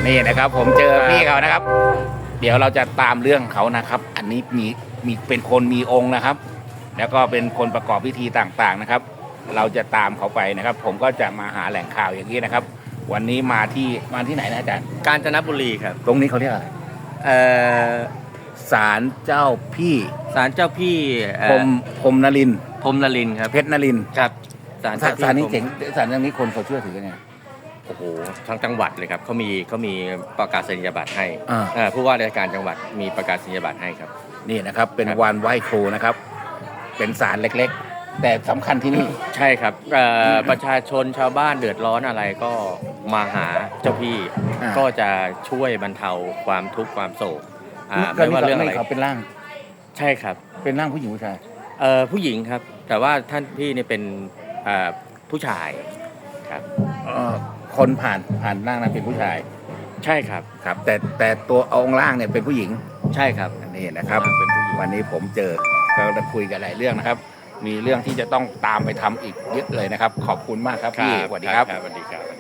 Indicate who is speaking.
Speaker 1: นี่นะครับผมเจอพี่เขานะครับ เดี๋ยวเราจะตามเรื่องเขานะครับ อันนี้มีเป็นคนมีองค์นะครับ แล้วก็เป็นคนประกอบพิธีต่างๆนะครับ เราจะตามเขาไปนะครับ ผมก็จะมาหาแหล่งข่าวอย่างนี้นะครับ วันนี้มาที่ไหนนะอาจารย์
Speaker 2: กาญจนบุรีครับ
Speaker 1: ตรงนี้เขาเรียกอะไร
Speaker 2: เอ่อ
Speaker 1: ศาลเจ้าพี่
Speaker 2: ศาลเจ้าพี่
Speaker 1: พรหมนรินทร์
Speaker 2: พรหมนรินทร์ครับ
Speaker 1: เพชรนรินทร์
Speaker 2: ครับศาลเจ้าพี่
Speaker 1: ศาลนี้
Speaker 2: พรหม
Speaker 1: เจ๋งศาลนี้คนเขาเชื่อถือกันไง
Speaker 2: โอ้โหทั้งจังหวัดเลยครับเขามีประกาศนียบัตรให้
Speaker 1: อ่า
Speaker 2: ผู้ว่าราชการจังหวัดมีประกาศนียบัตรให้ครับ
Speaker 1: นี่นะครับเป็น
Speaker 2: ครับ
Speaker 1: วันไหว้ครูนะครับ เป็นศาลเล็กๆ แต่สำคัญที่นี่
Speaker 2: ใช่ครับประชาชนชาวบ้านเดือดร้อนอะไรก็มาหาเจ้าพี่
Speaker 1: อ่า
Speaker 2: ก็จะช่วยบรรเทาความทุกข์ความโศก
Speaker 1: ก็
Speaker 2: ไม่ว่าเรื่องอะไร
Speaker 1: เขาเป็นร่าง
Speaker 2: ใช่ครับ
Speaker 1: เป็นร่างผู้หญิงผู้ชาย
Speaker 2: ผู้หญิงครับ แต่ว่าท่านพี่เนี่ยเป็นผู้ชายครับ
Speaker 1: คนผ่านร่างนั้นเป็นผู้ชาย
Speaker 2: ใช่ครับ
Speaker 1: ครับ แต่ตัวองค์ร่างเนี่ยเป็นผู้หญิง
Speaker 2: ใช่ครับ
Speaker 1: นี่นะครับ
Speaker 2: เป็นผู้หญิง
Speaker 1: วันนี้ผมเจอก็ได้คุยกันหลายเรื่องนะครับ มีเรื่องที่จะต้องตามไปทำอีกเยอะเลยนะครับ ขอบคุณมากครับพี่สวัสดีครับ
Speaker 2: สวัสดีครับ